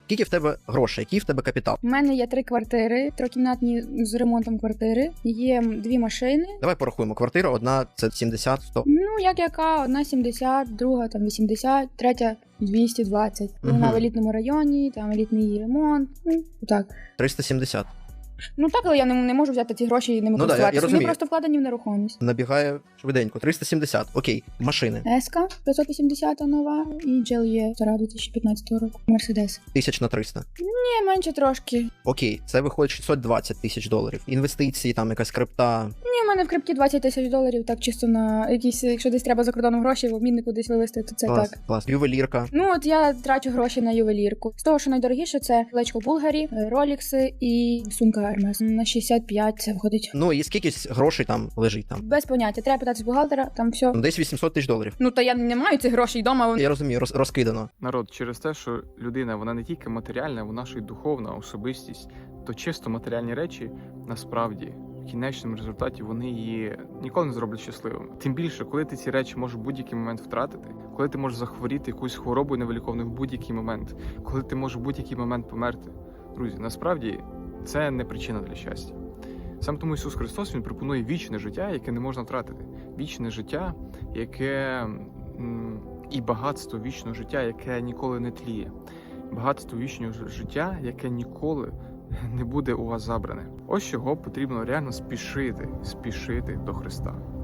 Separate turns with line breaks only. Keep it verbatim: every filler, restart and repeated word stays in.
Скільки в тебе грошей, який в тебе капітал?
У мене є три квартири, трикімнатні з ремонтом квартири. Є дві машини.
Давай порахуємо. Квартира одна це сімдесят сто.
Ну, як яка, одна сімдесят, друга там вісімдесят, третя двісті двадцять.
Мгм.
Вона в елітному районі, там елітний ремонт. Ну, так.
триста сімдесят.
Ну так, але я не, не можу взяти ці гроші і ними
Ну да, я- я
користуватися. Вони
розумію.
просто вкладені в нерухомість.
Набігає швиденько. триста сімдесят. Окей. Машини.
Еска п'ятсот вісімдесят нова і джі ел і стара дві тисячі п'ятнадцятого року. Мерседес.
Тисяч на триста.
Ні, менше трошки.
Окей. Це виходить шістсот двадцять тисяч доларів. Інвестиції, там якась крипта.
Ні, в мене в крипті двадцять тисяч доларів, так чисто на якісь, якщо десь треба за кордоном гроші, в обміннику десь вивезти, то це
Клас,
так.
клас. Ювелірка.
Ну от я трачу гроші на ювелірку. З того, що найдорогіше, це колечко Булгарі, ролікси і сумка Hermes. На шістдесят п'ять це виходить.
Ну і скільки грошей там лежить там?
Без поняття. Треба питати з бухгалтера, там все.
Ну, десь вісімсот тисяч доларів.
Ну то я не маю цих грошей вдома.
Я розумію, роз, розкидано.
Народ, через те, що людина вона не тільки матеріальна, вона ще й духовна особистість, то чисто матеріальні речі насправді в кінечному результаті вони її ніколи не зроблять щасливими. Тим більше, коли ти ці речі можеш в будь-який момент втратити, коли ти можеш захворіти якусь хворобою невиліковною в будь-який момент, коли ти можеш в будь-який момент померти. Друзі, насправді це не причина для щастя. Саме тому Ісус Христос Він пропонує вічне життя, яке не можна втратити. Вічне життя, яке м, і багатство вічного життя, яке ніколи не тліє. Багатство вічного життя, яке ніколи не буде у вас забране. Ось чого потрібно реально спішити, спішити до Христа.